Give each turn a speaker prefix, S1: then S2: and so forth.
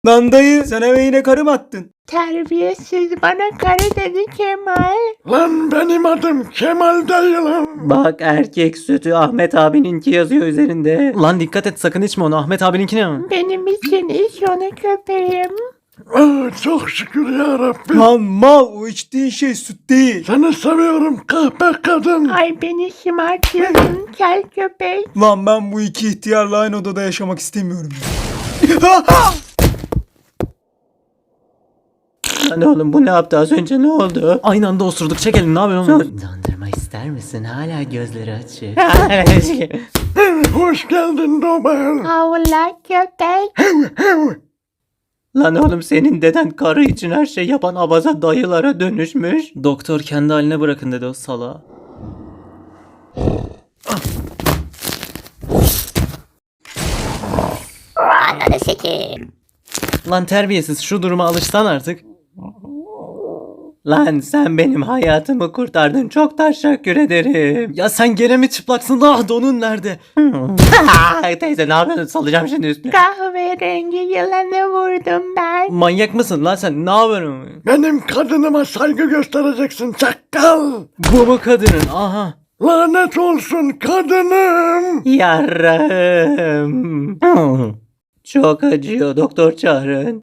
S1: Lan dayı sen eve yine karı mı attın?
S2: Terbiyesiz, bana karı dedi Kemal.
S3: Lan benim adım Kemal değil lan.
S4: Bak erkek sütü Ahmet abininki yazıyor üzerinde. Lan dikkat et sakın içme onu. Ahmet abininki ne?
S2: Benim için iç onu köpeğim.
S3: Çok şükür ya Rabbi.
S1: Lan mal o içtiğin şey süt değil.
S3: Seni seviyorum kahpe kadın.
S2: Ay beni şımartıyorsun kel köpek.
S1: Lan ben bu iki ihtiyarla aynı odada yaşamak istemiyorum.
S4: Lan oğlum bu ne yaptı az önce ne oldu? Aynı anda osurduk çek elini ne yapıyorsun? Dondurma ister misin? Hala gözleri açık.
S3: Hoş geldin Nobel.
S2: Havla köpek.
S4: Lan oğlum senin deden karı için her şey yapan abaza dayılara dönüşmüş. Doktor kendi haline bırakın dedi o sala.
S2: Ananı sikeyim.
S4: Lan terbiyesiz şu duruma alışsan artık. Lan sen benim hayatımı kurtardın. Çok teşekkür ederim. Ya sen gene mi çıplaksın? Ah donun nerede? Teyze ne yapıyorsun? Salacağım şimdi üstüne.
S2: Kahverengi yılanı vurdum ben.
S4: Manyak mısın lan sen? Ne yapıyorsun?
S3: Benim kadınıma saygı göstereceksin çakal.
S4: Bu mu kadının? Aha.
S3: Lanet olsun kadınım.
S4: Yarrağım. Çok acıyor doktor çağırın.